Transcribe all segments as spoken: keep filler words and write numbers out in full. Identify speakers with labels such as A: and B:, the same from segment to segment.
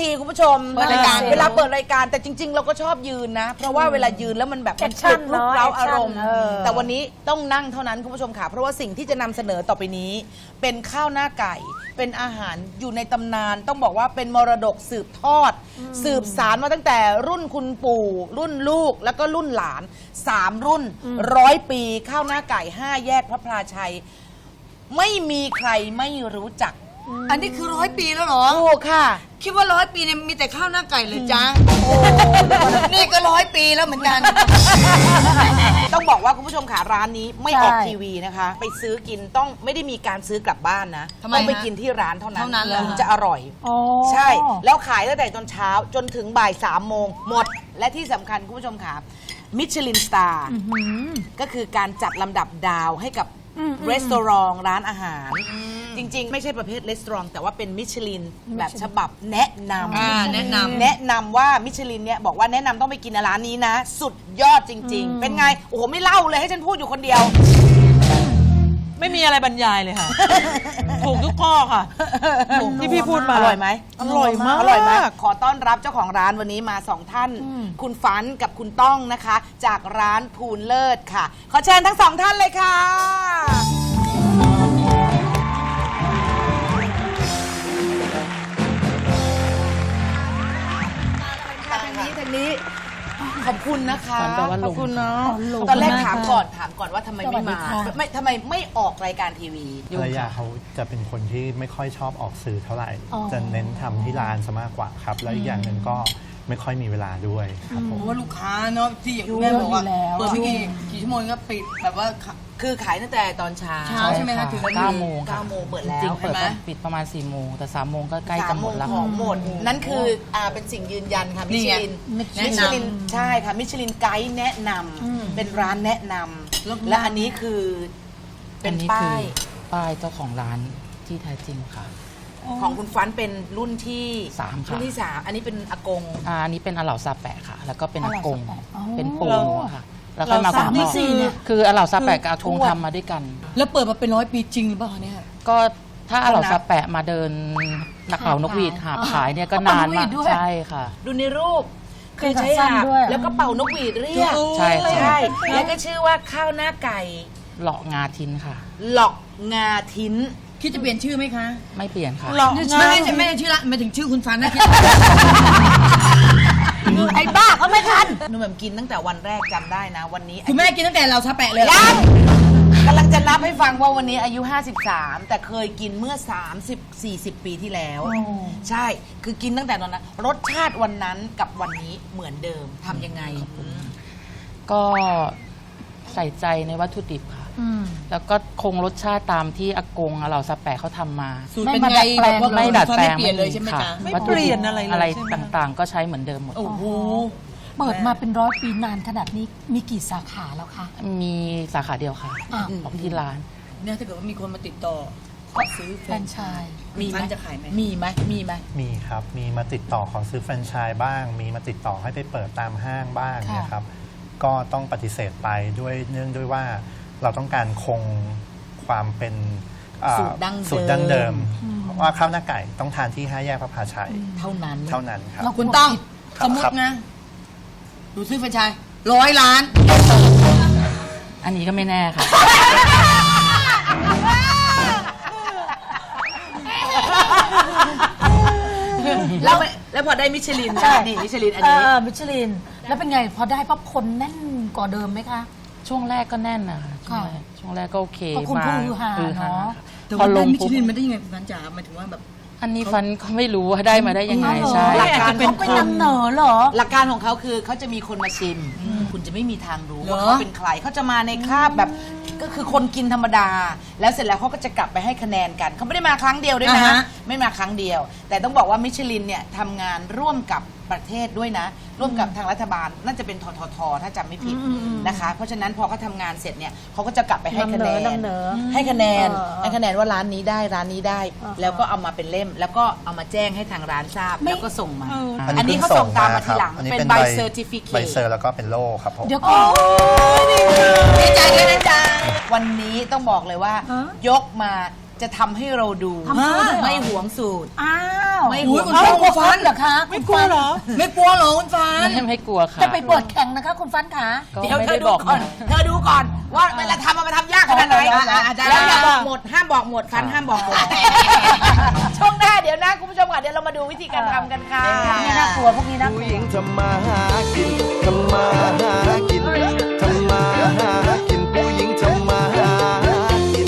A: ทีคุณผู้ชมเปิดรายการเวลาเปิดรายการแต่จริงๆเราก็ชอบยืนนะเพราะว่าเวลายืนแล้วมันแบบมันฉุกลุกเร้าอารมณ์แต่วันนี้ต้องนั่งเท่านั้นคุณผู้ชมค่ะเพราะว่าสิ่งที่จะนำเสนอต่อไปนี้เป็นข้าวหน้าไก่เป็นอาหารอยู่ในตำนานต้องบอกว่าเป็นมรดกสืบทอดสืบสารมาตั้งแต่รุ่นคุณปู่รุ่นลูกแล้วก็รุ่นหลานสามรุ่นร้อยปีข้าวหน้าไก่ห้าแยกพระพลาชัยไม่มีใครไม่รู้จัก
B: อันนี้คือร้อยปีแล้วเหรอ
A: ถูกค่ะ
B: คิดว่าร้อยปีเนี่ยมีแต่ข้าวหน้าไก่เลยจ้าโอ้นี่ก็ร้อยปีแล้วเหมือนกัน
A: ต้องบอกว่าคุณผู้ชมค่ะร้านนี้ไม่ออกทีวีนะคะไปซื้อกินต้องไม่ได้มีการซื้อกลับบ้านนะต้องไปกินที่ร้านเท่านั้นถึงจะอร่อยใช่แล้วขายตั้งแต่ตอนเช้าจนถึงบ่ายสามโมงหมดและที่สำคัญคุณผู้ชมค่ะมิชลินสตาร์ก็คือการจัดลำดับดาวให้กับร้านอาหารร้านอาหารจริงๆไม่ใช่ประเภทรีสอร์ทแต่ว่าเป็นมิชลินแบบฉบับแนะนำ
B: แนะนำ
A: แนะนำว่ามิชลินเนี่ยบอกว่าแนะนำต้องไปกินร้านนี้นะสุดยอดจริงๆเป็นไงโอ้โหไม่เล่าเลยให้ฉันพูดอยู่คนเดียว
C: ไม่มีอะไรบรรยายเลยค่ะถูกทุกข้อค่ะที่พี่พูดมา
A: อร่อยไหม
C: อร่อยมาก
A: อร่อยไหมขอต้อนรับเจ้าของร้านวันนี้มาสองท่านคุณฟันกับคุณต้องนะคะจากร้านภูลเลิศค่ะขอเชิญทั้งสองท่านเลยค่ะทางนี้ทางนี้ขอบคุณนะคะขอบคุณเนาะตอนแรกถามก่อนถามก่อนว่าทำไมไม่มาไม่ทำไมไม่ออกรายการทีวี
D: ภรรยาเขาจะเป็นคนที่ไม่ค่อยชอบออกสื่อเท่าไหร่จะเน้นทำที่ร้านซะมากกว่าครับแล้วอีกอย่างหนึ่งก็ไม่ค่อยมีเวลาด้วยครับผม
B: ว่าลูกค้าเนาะที่อย่างแม่บอกว่าเปิดไม่กี่กี่ชั่วโมงก็ปิดแบบว่า
A: คือขายตั้งแต่ตอนเช้า
B: เช้าใช่ไหมคะถึง
E: เก้าโมง
A: เก้าโมงเปิดแล้ว
E: จริงเปิดปิดประมาณสี่โมงแต่สามโมงก็ใกล้จะหมดแล้ว
A: ของหมดนั่นคืออ่าเป็นสิ่งยืนยันค่ะมิชลินมิชลินใช่ค่ะมิชลินไกด์แนะนำเป็นร้านแนะนำและอันนี้คือเป็นป้าย
E: ป้ายเจ้าของร้านที่แท้จริงค่ะ
A: ของคุณฟันเป็นรุ่นที่
E: สามค่ะ
A: รุ่นที่สามอันนี้เป็นอากง
E: อ่าอันนี้เป็นอาเหล่าซาแปะค่ะแล้วก็เป็นอากงเป็นปู่ค่ะแล้วก็มาคุณพ่อคืออาเหล่าซาแปะกับอากงทำมาด้วยกัน
B: แล้วเปิดมาเป็นร้อยปีจริงหรือเปล่าเนี่ย
E: ก็ถ้าอาเหล่าซาแปะมาเดินนักเป่านกหวีดหาบขายเนี่ยก็นานมากใช่ค่ะ
A: ดูในรูปคือใช้หาบแล้วก็เป่านกหวีดเรียก
E: ใช่
A: ใช่แล้วก็ชื่อว่าข้าวหน้าไก่
E: หลอกงาทิ้นค่ะ
A: หลอกงาทิ้น
B: คิดจะเปลี่ยนชื่อไหมคะ
E: ไม่เปลี่ยนค่ะ
B: ไม่ไม่ไม่ชื่อละไม่ถึงชื่อคุณฟันนะ
A: ไอ้บ้าเขาไม่ทันหนูแบบกินตั้งแต่วันแรกจำได้นะวันนี้
B: คุณแม่กินตั้งแต่เราซาแปะเลย
A: ยังกำลังจะนับให้ฟังว่าวันนี้อายุห้าสิบสามแต่เคยกินเมื่อสามสิบ สี่สิบปีที่แล้วใช่คือกินตั้งแต่ตอนนั้นรสชาติวันนั้นกับวันนี้เหมือนเดิมทำยังไง
E: ก็ใส่ใจในวัตถุดิบค่ะแล้วก็คงรสชาติตามที่อากงเราสแปะเขาทำมา
B: ไม่มาดัดแปลง
E: ไม่ดัดแปลง
B: ไม่เปลี่ยนเลยใช่ไหมคะ
C: ไม่เปลี่ยนอะไรเลย
E: อะไรต่างๆก็ใช้เหมือนเดิมหมด
B: โอ้โห
F: เปิดมาเป็นร้อยปีนานขนาดนี้มีกี่สาขาแล้วคะ
E: มีสาขาเดียวค่ะของที่ร้าน
B: เนี่ยถ้าเกิดว่ามีคนมาติดต่อขอซื้อแฟรนไชส์มีไหมจะขายไหมมีไหมมีไหม
D: มีครับมีมาติดต่อขอซื้อแฟรนไชส์บ้างมีมาติดต่อให้ไปเปิดตามห้างบ้างนะครับก็ต้องปฏิเสธไปด้วยเนื่องด้วยว่าเราต้องการคงความเป็น
A: สูตรดั้ง
D: สูตรดั้งเดิมว่าข้าวหน้าไก่ต้องทานที่ห้าแยกพระพาชัย
A: เท่านั้น
D: เท่านั้นครับ
B: คุณต้องสมมตินะดูซื้อแฟรนไชส์ร้อยล้าน
E: อันนี้ก็ไม่แน่ค่ะ
A: แล้วแล้วพอได้มิชลินนี่มิชลินอันนี้
F: มิชลินแล้วเป็นไงพอได้ปั๊บคนแน่นกว่าเดิมไหมคะ
E: ช่วงแรกก็แน่นนะช่วงแรกก็โอเค
F: มาคือฮาเนาะ
B: แต่ว่าได้มิชลินมันได้ยังไงฟันจ๋าหมายถึงว่าแบบ
E: อันนี้ฟันก็ไม่รู้ว่าได้มาได้ยังไงใช่
A: หลักการ
F: เป็นคนนำเหนอเหรอ
A: หลักการของเขาคือเขาจะมีคนมาชิมคุณจะไม่มีทางรู้ว่าเขาเป็นใครเขาจะมาในคราบแบบก็คือคนกินธรรมดาแล้วเสร็จแล้วเขาก็จะกลับไปให้คะแนนกันเขาไม่ได้มาครั้งเดียวด้วยนะไม่มาครั้งเดียวแต่ต้องบอกว่ามิชลินเนี่ยทำงานร่วมกับประเทศด้วยนะร่วมกับทางรัฐบาลน่าจะเป็นทททถ้าจำไม่ผิดนะคะเพราะฉะนั้นพอเขาทำงานเสร็จเนี่ยเขาก็จะกลับไปให้คะแนนให้คะแนนให้คะแนนว่าร้านนี้ได้ร้านนี้ได้แล้วก็เอามาเป็นเล่มแล้วก็เอามาแจ้งให้ทางร้านทราบแล้วก็ส่งมาอันนี้เขาส่งตามมาทีหลังเป็นใบเซอร์ติฟิเคต
D: ใบเซอร์แล้วก็เป็นโล่ครับผม
F: เดี๋ยวก็
A: ดีใจด้วยนะจ๊ะวันนี้ต้องบอกเลยว่ายกมาจะทำให้เราดูไม่หวงสูตร
F: อ้าว
A: ไม่
B: อุ้
A: ห่
B: ยว
A: ง
B: คุณฟ้าคุณฟ้า
F: เหรอคะ
C: ไม่กลัวเหรอ
B: ไม่กลัวเหรอคุณฟ้า
E: ไม่ไม่กลัวค่ะ
F: จะไปเปิดแข่งนะคะคุณฟันขา
E: ก็
A: เดี๋ยว
E: ไม่
A: เธ
E: ได้
A: อดู
E: บอก
A: ก่อน
E: นะ
A: เธอดูก่อนว่าเวลาทำมันทำยากขนาดไหนแล้วอย่าบอกหมดห้ามบอกหมดฟันห้ามบอกหมดช่วงหน้าเดี๋ยวนะคุณผู้ชมค่ะเดี๋ยวเรามาดูวิธีการทำกันค่ะ
F: นี่น่ากลัวพวกนี้น่ากลั
G: ผู้
F: ว
G: หญิงทำมาหากินทำมาหากินทำมาหากินผู้หญิงทำมาหากิน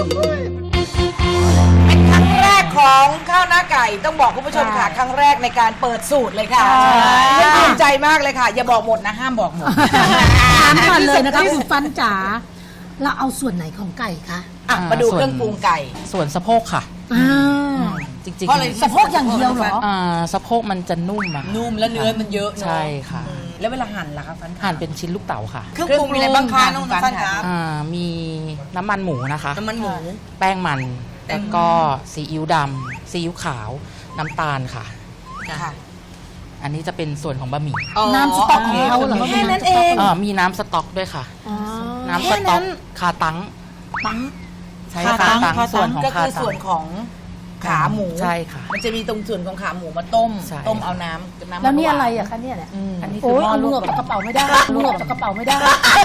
A: เป็นครั้งแรกของข้าวหน้าไก่ต้องบอกคุณผู้ชมค่ะครั้งแรกในการเปิดสูตรเลยค่ะภูมิใจมากเลยค่ะ อย่าบอกหมดนะห้ามบอกหมด
F: ถามก่อนเลยนะคะคุณฟันจ๋าเราเอาส่วนไหนของไก่คะ
A: อ่ะมาดูเครื่องปรุงไก่
E: ส่วนสะโพกค่ะ
F: อ่า
E: จริง
A: เพราะอะไร
F: สะโพกอย่างเดียวเหรอ
E: ๆอ่าสะโพกมันจะนุ่มอะค่ะ
B: นุ่มและเนื้อมันเยอะเนอะ
E: ใช่ค่ะ
A: แล้วเวลาหั่นล่ะคะฟัน
E: หั่นเป็นชิ้นลูกเต๋าค่ะ
B: เครื่องปรุงมีอะไรบ้างคะน้องฟันคะ
E: อ่ามีน้ำมันหมูนะคะ
B: น้ำมันหมู
E: แป้งมัน แล้วก็ซีอิ๊วดำซีอิ๊วขาว น้ำตาลค่ะ
A: ค่ะ
E: อันนี้จะเป็นส่วนของบะหมี่
F: น้ำสต๊อกของเขาเหรอ
B: แค่นั้นเอง
E: อ่ามีน้ำสต๊อกด้วยค่ะ
F: อ๋อ
E: น้ำสต๊อกคาตัง
F: ปัง
E: ใช่
C: คา
E: คา
C: ตัง
E: ตัง
C: คาตัง
E: ส่วนของ
A: ก็
E: คา
A: คือ
E: ตั
A: ส่ว
E: ง
A: นของขาหมู
E: ใช่ค่ะ
A: มันจะมีตรงส่วนของขาหมูมาต้ม
E: ใช่
A: ต้มเอาน้ำน้ำ
F: แล้วนี่
A: หวา
F: อะไรอะคะเนี่ยเนี่ย
E: อันนี้คื
F: โอ้
E: อย หม้อ
F: เอา
E: ล
F: ลูก
E: ว
F: อก อกจากกระเป๋าไม่ได้ลูกออกจากกระเป๋าไม่ได้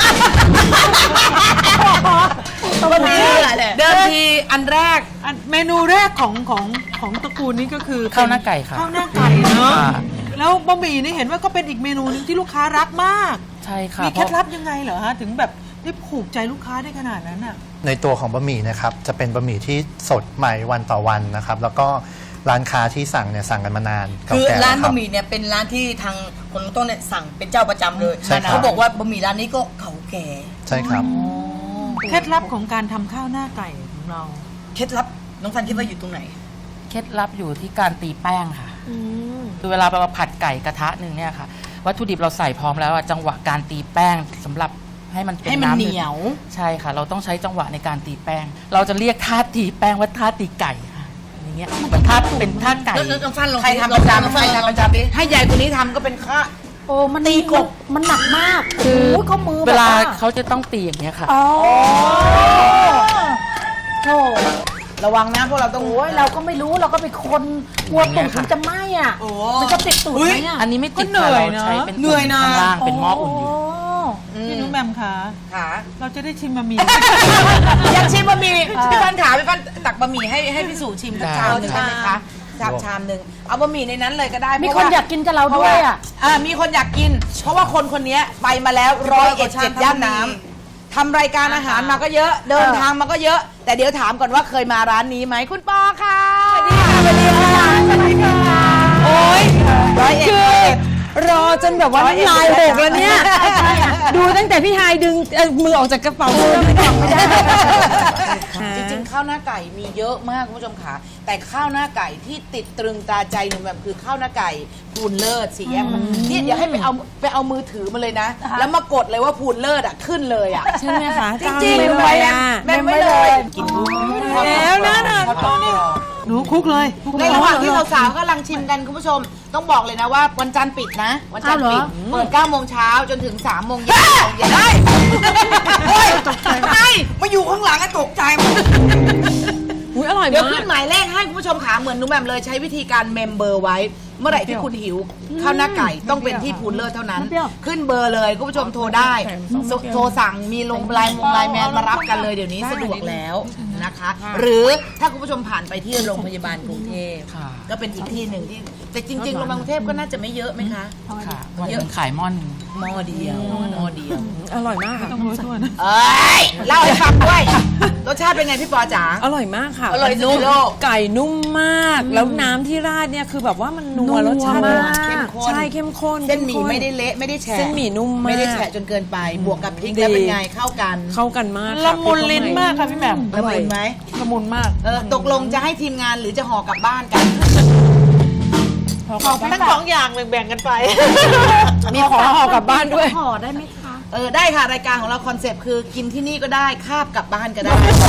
A: ตัวนี้เดิมทีอันแรก
C: อันเมนูแรกของของของตระกูลนี้ก็คือ
E: ข้าวหน้าไก่ค่ะ
C: ข้าวหน้าไก่เนาะ
E: ค่ะ
C: แล้วบะหมี่นี่เห็นว่าก็เป็นอีกเมนูหนึงที่ลูกค้ารักมาก
E: ใช่ค่ะ
C: มีเคล็ด
E: พราะ
C: ลับยังไงเหรอฮะถึงแบบได้ผูกใจลูกค้าได้ขนาดนั้นอ่ะ
D: ในตัวของบะหมี่นะครับจะเป็นบะหมี่ที่สดใหม่วันต่อวันนะครับ แล้วก็ร้านค้าที่สั่งเนี่ยสั่งกันมานานเก่า
B: คือ
D: แก่
B: ร้าน
D: แล้วค
B: บะหมี่เนี่ยเป็นร้านที่ทางคนต้นเนี่ยสั่งเป็นเจ้าประจำเลย
D: ใช่ครับ
B: เขาบอกว่าบะหมี่ร้านนี้ก็เก่าแก่
D: ใช่ครับ
C: เคล็ดลับของการทำข้าวหน้าไก่ของเรา
B: เคล็ดลับน้องฟันคิดว่าอยู่ตรงไหน
E: เคล็ดลับอยู่ที่การตีแป้งค่ะคือเวลาเราผัดไก่กระทะหนึ่งเนี่ยค่ะ วัตถุดิบเราใส่พร้อมแล้วอะจังหวะการตีแป้งสำหรับให้มันเป็น
A: ให้มัน
E: ำ
A: เหนียว
E: ใช่ค่ะ เราต้องใช้จังหวะในการตีแป้ง เราจะเรียกท่าตีแป้งว่าท่าตีไก่ค่ะอย่างเงี้ยเหมือนท่าเป็นท่าไก่
B: แล้วน้องฟันลอง
A: ใครทำประจำใครทำประจำให้ใหญ่คนนี้ทำก็เป็นข้า
F: โอ้มัน
A: ตีกบ
F: มันหนักมาก
E: คือ
F: โอ้ยเขามือ
E: เวลา
F: แบบ
E: เขาจะต้องตีอย่างเงี้ยค่ะ
F: อ๋อโธ่
A: ระวังนะพวกเราต้อง
F: โอ้ยเราก็ไม่รู้เราก็เป็นคนกลัวตุ่มมันจะไหม้อ่ะ
B: โอ้
F: มันจะติดตูดไหมอ่ะ
E: อันนี้ไม่ติด
C: ก็เหนื่
E: ค่ะ
C: อย
E: เรา
C: เนอะ
E: ใช้เป็น
B: เหนื่อยนะ
E: ข้างล่างเป็นหม้ออุ่นอยู่
C: พี่นุ้งแหมมคะ
A: ขา
C: เราจะได้ชิมบะหมี่
A: อยากชิมบะหมี่พี่ฟันขาพี่ฟันตักบะหมี่ให้ให้พี่สู่ชิมสักชามหนึ่งได้ไหมคะชามชามหนึ่งเอาบะหมี่ในนั้นเลยก็ได้
F: มี
A: เพ
F: ค
A: ระ
F: น
A: ว่
F: อยากกินกับเรา
A: เพราะ
F: ด้ว
A: ว่าย
F: อ่ะ
A: อ่ามีคนอยากกิน เพราะว่าคนคนนี้ไปมาแล้วร้อยเอ็ดเจ็ดย่านน้ำทำรายการอาหารมาก็เยอะ เดินทางมาก็เยอะ แต่เดี๋ยวถามก่อนว่าเคยมาร้านนี้ไหมคุณปอค่ะสวัสดีค่ะสวัสดีค่ะสวัสดีค่ะโอ้ยร้อยเอ็ดร้อยเอ็ด
H: รอจนแบบว่าน้ำลายหกแล้วเนี่ย ดูตั้งแต่พี่ไฮายดึงเอ่อมือออกจากกระเป๋าเสื้อไม่ได้ไม่ได้
A: จริงๆข้าวหน้าไก่มีเยอะมากคุณผู้ชมค่ะแต่ข้าวหน้าไก่ที่ติดตรึงตาใจหนูแบบคือข้าวหน้าไก่พูนเลิศสีแยกมันเนี่ยเดี๋ยวให้ไปเอาไปเอามือถือมาเลยนะ แล้วมากดเลยว่าพูนเลิศอ่ะขึ้นเลยอ่ะ
H: ใช่ไหมคะ
A: จริงๆ
H: เจ้า
A: ไว้
H: เลย
A: นะ
H: อ่ะ
A: แม่ไว้เลยกิน
H: แล้วนะน่ะ
C: หนูคลุกเลยคลุก
A: ในระหว่างที่สาวๆกำลังชิมกันคุณผู้ชม ต้องบอกเลยนะว่าวันจันทร์ปิดนะ วันจันทร์ปิดเปิดเก้าโมงเช้าจนถึงสามโมงเย็นเย็นได้
B: เฮ้ยใช่มาอยู่ข้างหลังอะตกใจหมด
H: อุ้ยอร่อย
A: เดี๋ยว
H: มา
A: ขึ้
H: ก
A: นหมายเลขให้คุณผู้ชมขาเหมือนนุ่มแหม่มเลยใช้วิธีการเมมเบอร์ไว้ เมื่อไหร่ที่คุณหิวข้าวหน้าไก่ต้องเป็นที่พูนเลิศเท่านั้น ขึ้นเบอร์เลยคุณผู้ชมโทรได้โทรสั่งมีลงไลน์มงไลน์แมนมารับกันเลยเดี๋ยวนี้สะดวกแล้วนะคะ หรือถ้าคุณผู้ชมผ่านไปที่โรงพยาบาลกรุงเทพ
E: ค่ะ
A: ก็เป็นอีกที่หนึ่งที่แต่จริงๆโรงพยาบาลกรุงเทพก็น่าจะไม่เยอะไหมคะ
E: ค่ะวันหนึงขายหม้อหนึง
A: หม้อเดียวหม้อเดียว
H: อร่อยมากค่ะ
C: ต้องรู้ตัวนะ
A: เอ้ยเล่าให้ฟังด้วยรสชาติเป็นไงพี่ปอจ๋า
H: อร่อยมากค่ะ
A: อร่อยนุ่ม
H: ไก่นุ่มมาก แล้วน้ำที่ราดเนี่ยคือแบบว่ามันนัวรสชาติ
A: นัวเข้มข้น
H: ใช่เข้มข้น
A: เส้นหมี่
H: ข้
A: ไม่ได้เละไม่ได้แฉะ
H: เส้นหมี่นุ่มมาก
A: ไม่ได้แฉะจนเกินไป บวกกับพริกแล้วเป็นไงเข้ากัน
H: เข้ากันมากค่
C: ละมุนลิ้นมากค่ะพี่แหม่ม
A: ละมุนไหม
C: ละมุนมาก
A: เออตกลงจะให้ทีมงานหรือจะห่อกลับบ้านกัน
C: ทั้งสองอย่างแบ่งๆกันไป
H: มีของห่อกลับบ้านด้วย
F: ห่อได้ไหมคะ
A: เออได้ค่ะรายการของเราคอนเซปต์คือกินที่นี่ก็ได้คาบกลับบ้านก็ได้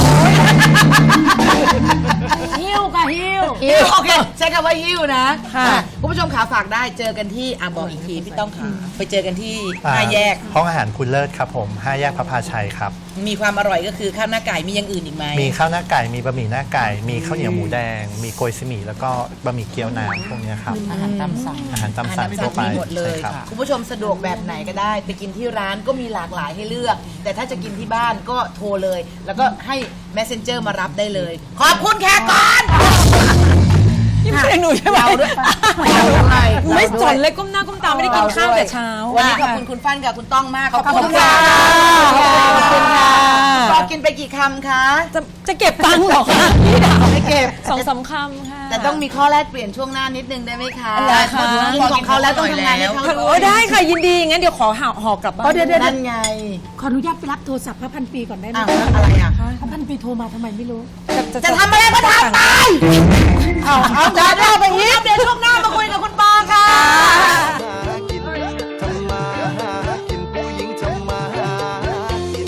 F: หิ้วค่ะหิ้ว
A: ฮิวโอเคใช้คำว่าฮิวนะ
H: ค่ะ
A: อ่ะคุณผู้ชมขาฝากได้เจอกันที่อ่ะบอกอีกทีพี่ต้องขาไปเจอกันที่ห้าแยก
D: ห้องอาหารคุณเลิศครับผมห้าแยกพระพาชัยครับ
A: มีความอร่อยก็คือข้าวหน้าไก่มีอย่างอื่นอีกไหม
D: มีข้าวหน้าไก่ มีบะหมี่หน้าไก่ มีข้าวเหนียวหมูแดง มีโกยซิหมี่แล้วก็บะหมี่เกี๊ยวน้ำพวกเนี้ยครับ
E: อาหารตามสั่ง
D: อาหารตามสั่ง
A: อาหาร
D: ทั่วไป
A: มีหมดเลย
D: ใช่ครับ
A: คุณผู้ชมสะดวกแบบไหนก็ได้ ไปกินที่ร้านก็มีหลากหลายให้เลือก แต่ถ้าจะกินที่บ้านก็โทรเลย แล้วก็ให้ messenger มารับได้เลย ขอบคุณแขกก่อน
H: นี่เพลงหนูใช่ไหม
A: เราด้วยเราด้วย
H: ไม่สนเลยก้มหน้าก้มตาไม่ได้กินข้าวแต่เช้า
A: วันนี้ขอบคุณคุณฟันกับคุณต้องมากขอบคุณ
H: ค่ะ
A: ขอบคุณค่ะ
H: ขอบคุณค่ะ
A: ต่อกินไปกี่คำคะ
H: จะจะเก็บตังค์เหรอคะพี่ดาว
A: ไม่เก็บ
H: สองสามคำค่ะ
A: แต่ต้องมีข้อแลกเปลี่ยนช่วงหน้านิดนึงได้ไหมคะ
H: อะไรคะ
A: กินของเขาแล้วต้องทำงานให้เขา
H: โอ้ได้ค่ะยินดีงั้นเดี๋ยวขอห่อห่อกลับบ้าน
A: เดี๋ยวนั่นไง
F: ขออนุญาตไปรับโทรศัพท์พระพันปีก่อนได้ไหม
A: อ้าวแล้วอะไรอ่ะ
F: พระพันปีโทรมาทำไมไม่รู้
A: จะทำอะไรก็ทำไปเอาเอาจ้าเดี๋ยวไปอีกเดี๋ยวช่วงหน้ามาคุยกับคุณปอค่ะ
G: หากินทำมาหากินผู้หญิงทำมาหากิน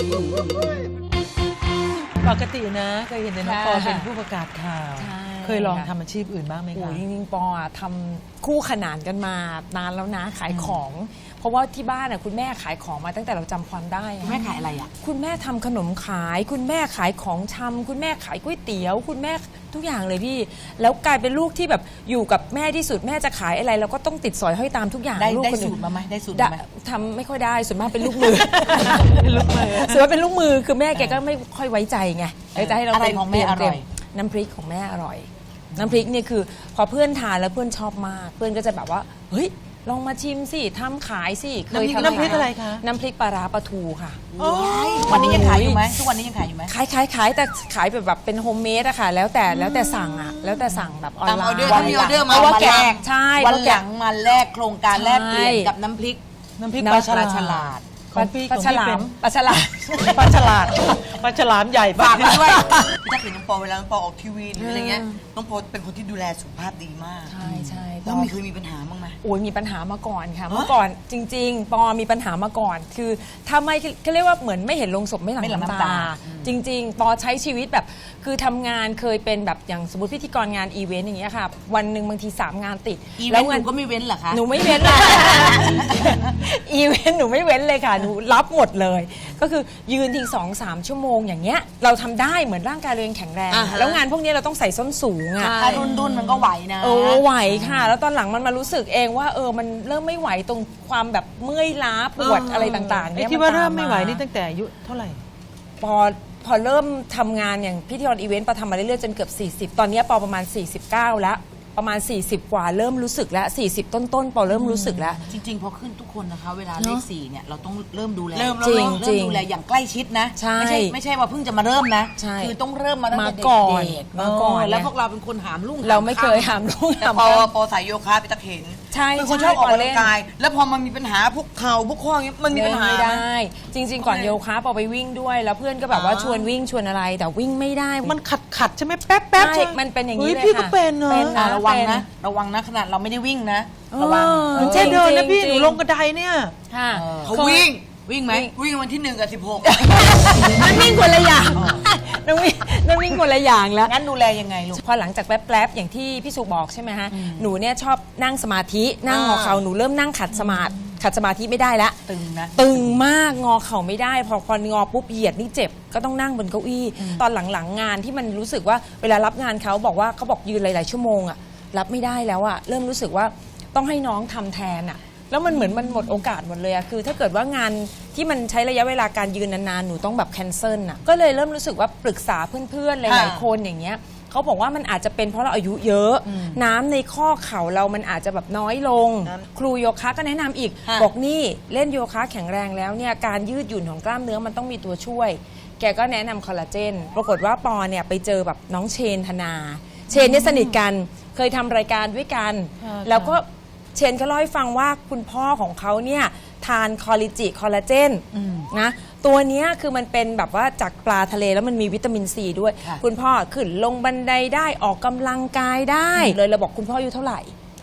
C: ปกตินะเคยเห็นในน้องปอเป็นผู้ประกาศข่าว
H: ใช่
C: เคยลองทำอาชีพอื่นบ้างไหม
H: โอ้
C: คะ
H: ยจริงๆปออะทำคู่ขนานกันมานานแล้วนะขายของ เพราะว่าที่บ้านน่ะคุณแม่ขายของมาตั้งแต่เราจำความได้อะ
A: แม่ขายอะไรอ่ะ
H: คุณแม่ทำขนมขาย คุณแม่ขายของชำคุณแม่ขายก๋วยเตี๋ยว คุณแม่ทุกอย่างเลยพี่ แล้วกลายเป็นลูกที่แบบอยู่กับแม่ที่สุดแม่จะขายอะไรเราก็ต้องติดสอยห้อยตามทุกอย่าง
A: ได้
H: ลูก
A: ได้
H: คนอื่
A: สู
H: น
A: ตรมาไหมได้สูตร
H: ได้
A: มาไหม
H: ทำไม่ค่อยได้ส่วนมากเป็นลูกมือ เป็นลูกมือส่วนมากเป็นลูกมือคือแม่แกก็ไม่ค่อยไว้ใจไงเลยจะให้เรา
A: อะไรของแม่อร่อย
H: น้ำพริกของแม่อร่อย น้ำพริกเนี่ยคือพอเพื่อนทานแล้วเพื่อนชอบมาก เพื่อนก็จะแบบว่าเฮ้ยลองมาชิมสิทำขายสิเคยทำ
C: น้ำพริกอะไรคะ
H: น้ำพริกปลาร้าปลาทูค่ะ
A: วันนี้ยังขายอยู่ไหมทุกวันนี้ยังขายอยู่ไหม
H: ขายขายขายแต่ขายแบบแบบเป็นโฮมเมดอะค่ะแล้วแต่แล้วแต่สั่งอะแล้วแต่สั่งแบบออน
B: ตาม
H: ไล
B: ออ
H: น์
B: เดอร์ถ้ามีออเดอร์มา
H: เพราะว่า
B: มา
H: แก
B: แลก
H: ใช่
A: วัน
H: เพราะ
A: ห
H: แก
A: ลังมาแลกโครงการแลกเปลี่ยน
H: ใช่
A: กับน้ำพริก
C: น้ำพริก
H: น้ำ
C: ปลาฉ
A: ปลา
C: ลา
A: ฉ
C: ด
A: ลาด
C: ของพี่
H: ปลาฉลามปลาฉลาม
C: ปลาฉลาดปลาฉลามใหญ่
B: ฝากมาด้วย
C: ป
B: พี่ตั๊กเห็นน้องปอเวลาน้องปอออกทีวีหรืออะไรเงี้ยน้องปอเป็นคนที่ดูแลสุขภาพดีมาก
H: ใช่ใช่
B: แล้วมีเคยมีปัญหาบ้างไหม
H: โอ้ยมีปัญหามาก่อนค่ะเมื่อก่อนจริง ๆ ปอมีปัญหามาก่อน คือถ้าไม่เขาเรียกว่าเหมือนไม่เห็นลงศพไม่หลั่ง
A: ไม่หลั่ง
H: น้ำ
A: น้ำตา
H: ตา จริง ๆ ปอใช้ชีวิตแบบคือทำงานเคยเป็นแบบอย่างสมมติพิธีกรงานอีเวนต์อย่างเงี้ยค่ะวันหนึ่งบางทีสามงานติด
A: อีเว
H: แล้
A: น
H: ว
A: ต์ห
H: เงิ
A: นูก็ไม่เว้นเหรอคะ
H: หนูไม่เว้นเลย อีเวนต์หนูไม่เว้นเลยค่ะ หนูรับหมดเลย ก็คือยืนทิ้งสองสามชั่วโมงอย่างเงี้ย เราทำได้เหมือนร่างกายเรายังแข็งแรง
B: อ่าฮะ
H: แล้วงานพวกนี้เราต้องใส่ส้นสูงอ่ะ
A: ถ้ารุ่นรุ่นๆมันก็ไหวนะ
H: เออไหวค่ะ แล้วตอนหลังมันมารู้สึกเองว่าเออมันเริ่มไม่ไหวตรงความแบบเมื่อยล้าปวดอะไรต่างๆ
C: ไอ้
H: เนี่ย
C: ที่ว่าเริ่ม
H: ต
C: ไม่ไหวนี่ตั้งแต่อายุเท่าไหร่
H: พอพอเริ่มทำงานอย่างพิธีกรอีเวนต์ปอทำมาเรื่อยๆจนเกือบสี่สิบตอนเนี้ยปอประมาณสี่สิบเก้าแล้วประมาณสี่สิบกว่าเริ่มรู้สึกแล้วสี่สิบต้นๆปอเริ่มรู้สึกแล้ว
A: จริง ๆ พอขึ้นทุกคนนะคะ เวลาเล
H: เน
A: ข
H: อะ
A: สี่เนี่ยเราต้องเริ่มดูแล
B: เริ่ม
H: จริง
A: เริ่มดูแลอย่างใกล้ชิดนะ
H: ใช่
A: ไม่ใช่ไม่ใช่ว่าเพิ่งจะมาเริ่มนะ
H: ใช่
A: คือต้องเริ่มมาตั้งแต่
H: มาก่อน
A: เด็กๆ
H: มาก่อน
A: เแล้ว
H: ไง
A: พวกเราเป็นคนหามลุ่ง
H: เราไม่เคย
A: หาม
H: หามลูก
B: แต่
H: หาม
B: ปอ
H: ข้าม
B: ปอสายโยคะพี่ตั๊กเห็น
H: ใช่
B: เป็นคน
H: ใช่
B: ชอบออก
H: ป
B: กำ
H: เล่
B: ลั
H: น
B: งกาย แล้วพอมันมีปัญหาพวกเข่าพวกข้ออย่างเงี้ยมันมีปัญหา
H: ไม่ได้ จริง ๆ ก่อนโยคะปอไปวิ่งด้วย แล้วเพื่อนก็แบบว่า
B: อ๋อ
H: ชวนวิ่งชวนอะไร แต่วิ่งไม่ได้
C: มันขัดขัดๆใช่ไหมแป๊บแป๊บ
H: ใช่
C: ใช่
H: มันเป็นอย่างนี้
C: ฮ้
H: เลย
C: พี่
H: ค่ะ
C: ก็เป็นเนอะ
H: เป็น
A: อ่ะ
H: นะ
A: ระวัง
H: เป็น
A: นะ ระวังนะขนาดเราไม่ได้วิ่งนะ
H: เออ
A: ระวัง
H: จริง
C: แค่เดินนะพี่
H: จริ
C: ห
H: ง
C: นูลงกระไดเนี่ย
H: ค่ะ
B: เขาวิ่ง
A: วิ่งไหม
B: วิ่งวันที่หนึ่งกับสิบหก
H: น้ำนิ่งคนละอย่างน้ำนิ่งน้ำนิ่งคนละอย่างแล้ว
A: งั้นดูแลยังไงลูก
H: พอหลังจากแป๊บๆอย่างที่พี่สุบอกใช่ไหมฮะหนูเนี่ยชอบนั่งสมาธินั่งงอเข่าหนูเริ่มนั่งขัดสมาธิขัดสมาธิไม่ได้แล้ว
A: ตึงนะ
H: ตึงมากงอเข่าไม่ได้ พอพองอปุ๊บเหยียดนี่เจ็บก็ต้องนั่งบนเก้าอี้ตอนหลังๆงานที่มันรู้สึกว่าเวลารับงานเขาบอกว่าเขาบอกยืนหลายๆชั่วโมงอะรับไม่ได้แล้วอะเริ่มรู้สึกว่าต้องให้น้องทำแทนอะแล้วมันเหมือนมันหมดโอกาสหมดเลยอะคือ ถ้าเกิดว่างานที่มันใช้ระยะเวลาการยืนนานๆหนูต้องแบบแคนเซิลอะก็เลยเริ่มรู้สึกว่าปรึกษาเพื่อนๆหลายๆคนอย่างเงี้ยเขาบอกว่ามันอาจจะเป็นเพราะเราอายุเยอะ น้ำในข้อเข่าเรามันอาจจะแบบน้อยลง ครูโยคะก็แนะนำอีก บอกนี่เล่นโยคะแข็งแรงแล้วเนี่ยการยืดหยุ่นของกล้ามเนื้อมันต้องมีตัวช่วย แกก็แนะนำคอลลาเจนปรากฏว่าปอเนี่ยไปเจอแบบน้องเชนธนา เชนเนี่ยสนิทกันเคยทำรายการด้วยกัน แล้วก็เชนก็เล่าให้ฟังว่าคุณพ่อของเขาเนี่ยทานคอลลิจิคอลลาเจนนะตัวเนี้ยคือมันเป็นแบบว่าจากปลาทะเลแล้วมันมีวิตามินซีด้วย คุณพ่อขึ้นลงบันไดได้ออกกำลังกายได้เลยเราบอกคุณพ่ออายุเท่าไหร่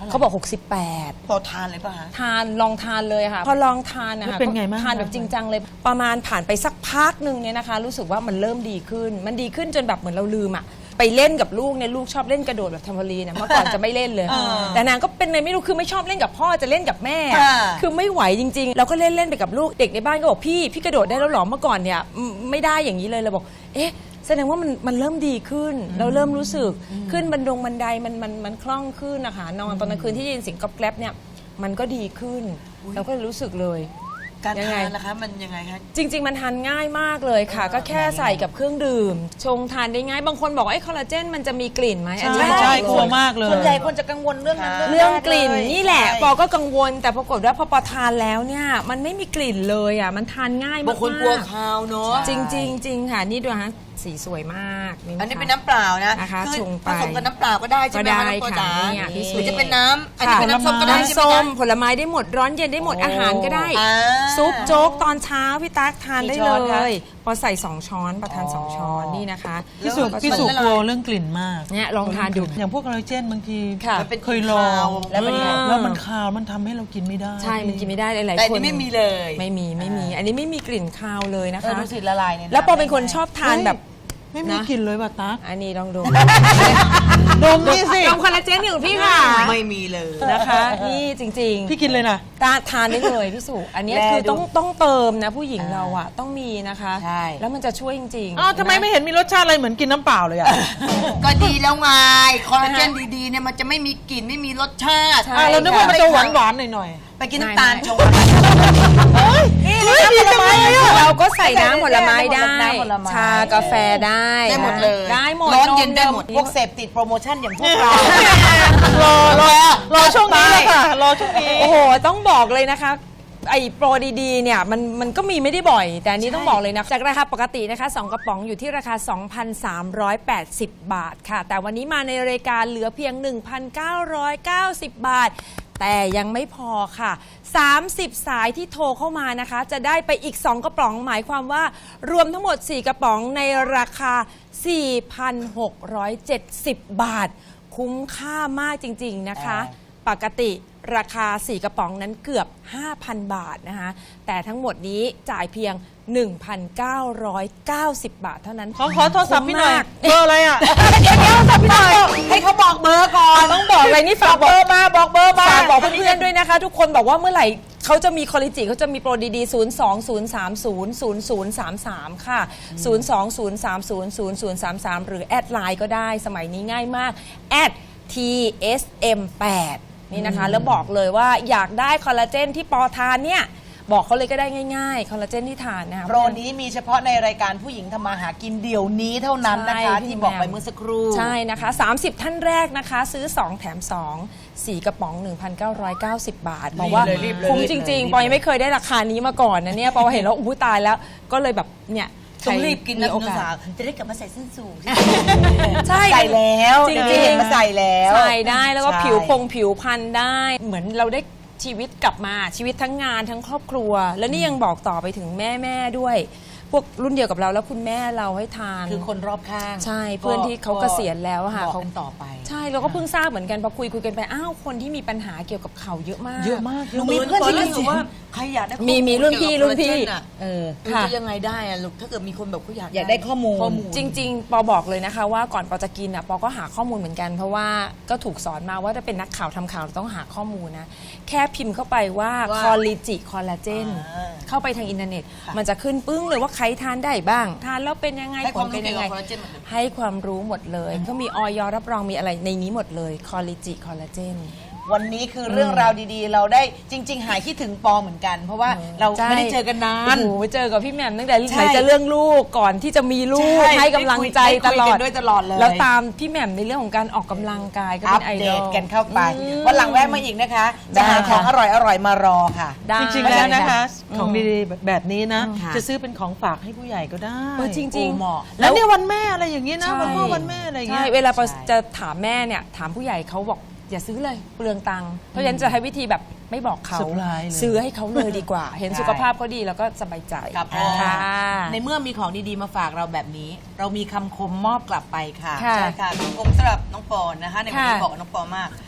H: เขาบอกหกสิบแปด
B: พอทานเลยป่ะฮะ
H: ทานลองทานเลยค่ะ พอลองทานนะคะ
C: แล้วเป็นไงบ้าง
H: ทานแบบจริงจังเลย ประมาณผ่านไปสักพักหนึ่งเนี่ยนะคะ รู้สึกว่ามันเริ่มดีขึ้น มันดีขึ้นจนแบบเหมือนเราลืมอะไปเล่นกับลูกเนี่ยลูกชอบเล่นกระโดดแบบแทมโพลีนนะเมื่อก่อนจะไม่เล่นเลย แต่นางก็เป็นอะไรไม่รู้คือไม่ชอบเล่นกับพ่อจะเล่นกับแม่อะ
B: อ่า
H: คือไม่ไหวจริงๆเราก็เล่นเล่นไปกับลูกเด็กในบ้านก็บอกพี่พี่กระโดดได้แล้วหรอเมื่อก่อนเนี่ยอืมไม่ได้อย่างนี้เลยเราบอกเอ๊ะแสดงว่ามันมันเริ่มดีขึ้น เราเริ่มรู้สึกขึ้นบันดงบันไดมันมันมันคล่องขึ้นนะคะนอนตอนกลางคืนที่ได้ยินเสียงกรอบแกรบเนี่ยมันก็ดีขึ้นเราก็รู้สึกเลย
B: การ
H: ยังไง
B: ทานนะคะมันยังไงคะ
H: จริง ๆ มันทานง่ายมากเลยค่ะ ก็แค่ใส่กับเครื่องดื่ม ชงทานได้ง่าย บางคนบอกว่าไอ้คอลลาเจนมันจะมีกลิ่นไหมอันนี้
C: ใช่
H: บอกเลย
C: กลัวมากเลย
A: ส่วนใหญ่คนจะกังวลเรื่องนั้น
H: เรื่องกลิ่น
A: แร
H: นี่แหละ
A: ใช่
H: ปอก็กังวล แต่ปรากฏว่าพอปอทานแล้วเนี่ยมันไม่มีกลิ่นเลยอ่ะมันทานง่ายมาก
B: บางคนกลัวคาวเนาะ
H: จริงๆจริงค่ะนี่ดูฮะสีสวยมาก
B: อันนี้เป็นน้ำเปล่านะ
H: นะคะ
B: คือ
H: ชงไป
B: ผสมกับน้ำเปล่าก็ได้ใช่ไหม
H: ก็
B: คะ
H: ได้
B: น้ำปอ
H: ค่ะ
B: จ๋า
H: เนี่ยพี่สุ
B: หรือจะเป็นน้ำอันนี้
H: ค่ะ
B: เป็นน้ำส้มก็ได้ใช่ไหม
H: น้ำส้ม
B: คะ
H: ผลไม้ได้หมดร้อนเย็นได้หมดอาหารก็ได้
B: อ่า
H: ซุปโจ๊กตอนเช้าพี่ตั๊กทานได้
A: กี่ช้
H: เล
A: อนคะ
H: ยพอใส่สองช้อนประทานสองช้อนนี่นะคะ
C: พี่สุ
H: แล้วก็
C: พี่สุ
H: ชง
C: กลัวเรื่องกลิ่นมาก
H: เนี่ยลองทานดู
C: อย่างพวกคอลลาเจนบางที
H: ค่ะ
B: มันเป็น
C: เคยลอง
B: แล้วเป็นไง
C: แล้วมันคาวมันทำให้เรากินไม่ได้
H: ใช่มันกินไม่ได้หลาย
B: แต่
H: ๆ
B: อัน
H: คน
B: นี้ไม่มีเลย
H: ไม่มีไม่มี อันนี้ไม่มีกลิ่นคาวเลยนะ
A: เออ
H: คะ
A: ดูสิละลายเนี่ย
H: แล้วปอเป็นคนชอบทานแบบ
C: ไม่มี
H: นะ
C: กลิ่นเลยว่ะตั๊ก
H: อันนี้ลองดู
C: ดมนี่สิ
H: ดมคอลลาเจนอยู่พี่ค่ะ
B: ไม่มีเลย
H: นะคะ นี่จริงๆ
C: พี่กินเลยนะ
H: ตาทานได้เลยพี่สุอันนี้คือต้องต้องเติมนะผู้หญิงเราอะต้องมีนะคะ
A: ใช่
H: แล้วมันจะช่วยจริงๆ
C: อ้าวทำไมไม่เห็นมีรสชาติอะไรเหมือนกินน้ำเปล่าเลยอ่ะ
B: ก็ดีแล้วไงคอลลาเจนดีๆเนี่ยมันจะไม่มีกลิ่นไม่มีรสชาติ
H: ใช่
C: อ่ะเรานึกว่ามันจะหวานหวานๆหน่อย
B: ไปกินน้ำตาล
H: ไม่
B: ชง
H: นี่เลยผลไม้เราก็ใส่น้ำผลไม้ได้
A: น้ำผลไม้
H: ชากาแฟได้
B: ได้หมดเลย
H: ได้หมด
B: ร้อนเย็นได้หมด
A: พวกเสพติดโปรโมชั่นอย่างพวกเรา
C: ๆรอรอรอช่วงนี้เลยค่ะ รอช่วงนี้
H: โอ้โห ต้องบอกเลยนะคะ ไอ้โปรดีๆ เนี่ยมันมันก็มีไม่ได้บ่อย แต่อันนี้ต้องบอกเลยนะ จากราคาปกตินะคะสองกระป๋องอยู่ที่ราคา สองพันสามร้อยแปดสิบ บาทค่ะ แต่วันนี้มาในรายการเหลือเพียง หนึ่งพันเก้าร้อยเก้าสิบ บาท แต่ยังไม่พอค่ะ สามสิบ สายที่โทรเข้ามานะคะ จะได้ไปอีก สอง กระป๋องหมายความว่ารวมทั้งหมด สี่ กระป๋องในราคา สี่พันหกร้อยเจ็ดสิบ บาท คุ้มค่ามากจริงๆนะคะ ปกติราคา สี่ กระป๋องนั้นเกือบ ห้าพัน บาทนะคะ แต่ทั้งหมดนี้จ่ายเพียง หนึ่งพันเก้าร้อยเก้าสิบ บาทเท่านั้น
C: ขอขอโทรศัพท์พี่หน่อย
H: คุ้มมาก
C: เบอร์อะไรอ่ะ
H: เดี๋ยวเดี๋ยวสับพี่หน่อย
A: ให้เขาบอกเบอร์ก่อน
H: ต้องบอกเลยนี่ฝาก
A: เบอร์มาบอกเบอร์มา
H: ฝากบอกเพื่อนๆด้วยนะคะ ทุกคนบอกว่าเมื่อไหร่เขาจะมีคอลลิจิเขาจะมีโปรดีๆ ศูนย์ สอง ศูนย์ สาม ศูนย์ ศูนย์ ศูนย์ สาม สาม ค่ะ ศูนย์ สอง ศูนย์ สาม ศูนย์ ศูนย์ ศูนย์ สาม สาม หรือแอดไลน์ก็ได้สมัยนี้ง่ายมากแอด ที เอส เอ็ม แปด นี่นะคะ แล้วบอกเลยว่าอยากได้คอลลาเจนที่ปอทานเนี่ยบอกเขาเลยก็ได้ง่ายๆคอลลาเจนที่ทานนะคะ
A: โปรนี้มีเฉพาะในรายการผู้หญิงทำมาหากินเดี๋ยวนี้เท่านั้นนะคะ
H: ใช่
A: ที่บอกไป
H: พี่แหม่ม
A: เมื่อสักครู่
H: ใช่นะคะ สามสิบ ท่านแรกนะคะ ซื้อ สอง แถม สอง สี่ กระป๋อง หนึ่งพันเก้าร้อยเก้าสิบ บาทบอกว่า
A: เลยรีบเลย
H: คุ้ม
A: รีบ
H: จ
A: เลย
H: ริง
A: รีบ
H: ๆปอยงไม่เคยได้ราคานี้มาก่อนนะเนี่ยปอยเห็นแล้วอู้ตายแล้วก็เลยแบบเนี่ย
B: ต้องรีบกิน
H: มี
B: นะ
H: โอ
B: คุณ
H: กา
B: สา
H: ส
B: วจะได้กลับมาใส่ส้นสูง
H: ใช่
A: ใส่แล้ว
H: จริง
A: เดี๋ยวนี้
H: ๆ
A: มาใส่แล้ว
H: ใส่ได้แล้วก็
A: ใช่
H: ผิวพงผิวพันได้ เหมือนเราได้ชีวิตกลับมาชีวิตทั้งงานทั้งครอบครัว แล้วนี่ยังบอกต่อไปถึงแม่แม่ๆด้วย พวกรุ่นเดียวกับเราแล้วคุณแม่เราให้ทาน
A: คือคนรอบข้าง
H: ใช่เพื่อนที่เขาเกษียณแล้วอะค่ะ
A: บอก
H: เขา
A: กันต่อไป
H: ใช่เราก็เพิ่งทราบเหมือนกันพอคุยคุยกันไปอ้าวคนที่มีปัญหาเกี่ยวกับเข่าเยอะมาก
C: เยอะมากเยอะ
B: มี
C: มาก
B: เพื่อนที่รู้สึกว่าใครอยากได้ข้อ
H: มีมีรุ่นพี่รุ่นพี่
B: เกี่ยวกับคอลลาเจนอะ
H: เออ
B: มัน
H: ค่ะ
B: จะยังไงได้อะลูกถ้าเกิดมีคนแบบเขาอยาก
A: อยากได้ข้อมูล
B: ข้อมูล
H: จริง ๆ ปอบอกเลยนะคะว่าก่อนปอจะกินอ่ะปอก็หาข้อมูลเหมือนกัน เพราะว่าก็ถูกสอนมาว่าถ้าเป็นนักข่าวทำข่าวเราต้องหาข้อมูลนะ แค่พิมพ์เข้าไปว่า
B: ว่า
H: คอลลิจิคอลลาเจน
B: อ่า
H: เข้าไปทางอินเทอร์เน็ต มันจะขึ้นปึ้งเลยว่าใครทานได้บ้าง ทานแล้วเป็นยังไง
B: ให้
H: ผ
B: ควา
H: ล
B: มรู้
H: เป็น
B: เกี่
H: ยั
B: ยว
H: งไง
B: กับคอลลาเจนหมดเลย
H: ให้ความรู้หมดเลยเขามีออยรับรองมีอะไรในนี้หมดเลยคอลลิจิคอลลาเจน
A: วันนี้คือเรื่องราวดีๆ เราได้จริง ๆ หายคิดถึงปอเหมือนกัน เพราะว่าเรา
H: ใช่
A: ไม่ได้เจอกันนาน
H: โอ้โหเจอกับพี่แหม่มตั้งแต่
A: ใช่
H: ไหนจะเรื่องลูกก่อนที่จะมีลูก
A: ใช่
H: ให้กำลังใจ
A: ได้คุย
H: ตลอ
A: กั
H: ด
A: นด้วยตลอดเลย
H: แล้วตามพี่แหม่มในเรื่องของการออกกำลังกายก็
A: อั
H: เป็
A: ป
H: นไอ
A: เด
H: ดอ
A: ต
H: ล
A: กันเข้าไป
H: อืม
A: วันหลังแวะมาอีกนะคะ
H: ได้
A: จะหาของ
H: ค่ะ
A: อร่อยๆมารอค่ะ
H: ได้
C: จริงๆแล้วนะคะ
H: อืม
C: ของดีๆแบบนี้นะ
A: ค่ะ
C: จะซื้อเป็นของฝากให้ผู้ใหญ่ก็ได้
H: เออจริง
A: โอ้เหมาะ
C: แล้วเนี่ยวันแม่อะไรอย่างเงี้ยนะ
H: ใช่
C: วันพ่อวันแม่อะไรอย่างเงี้
H: ใช่
C: ย
H: เวลาปอ
A: ใช่
H: จะถามแม่เนี่ยถามผู้ใหญ่เขาบอกอย่าซื้อเลยเปลืองตังค์เพราะฉะนั้นจะใช้วิธีแบบไม่บอกเขา
C: เซอร์ไพรส์เลย
H: ซื้อให้เขาเลยดีกว่า เห็น
A: ใช่
H: สุขภาพเขาดีแล้วก็สบายใจ
A: ครับ
H: ค่ะ
A: ในเมื่อมีของดีๆมาฝากเราแบบนี้ เรามีคำคมมอบกลับไปค่ะ
H: ค่ะ
B: ใช่ค่ะผมสำหรับน้องปอนนะคะในวันนี้
H: ค่ะ
B: บอกกับน้องปอมาก พ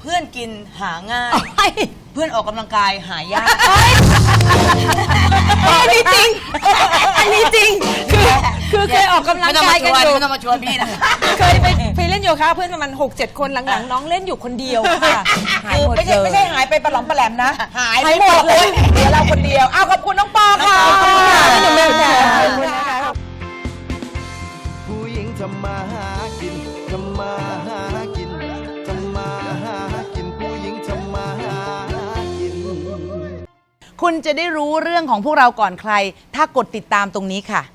B: เพื่อนกินหาง่าย เพื่อนออกกำลังกายหายาก
H: อันนี้จริง อันนี้จริง คือคือเคยออกกำลังกายกันอยู่
B: ไม่ต้องมาชวนพี่นะ
H: เคยไปไปเล่นโยคะเพื่อนประมาณหกเจ็ดคนหลังๆน้องเล่นอยู่คนเดียวค่ะหายหมด
A: ไม่
H: เล
A: ใช่
H: ย
A: ไม่ใช่หายไปปลาหลอมปลาแหลมนะ หาย
H: หายหมดเลย
A: เดี๋ยวเราคนเดียวอ้าวขอบคุณน้องปอค่ะ
H: ขอบคุณค่ะพี่หนุ่มแม่ค่ะ
A: ขอบคุณนะคะ
G: ผู้หญิงทำมาหากินทำมาหากินทำมาหากินผู้หญิงทำมาหากิน
A: คุณจะได้รู้เรื่องของพวกเราก่อนใคร ถ้ากดติดตามตรงนี้ค่ะ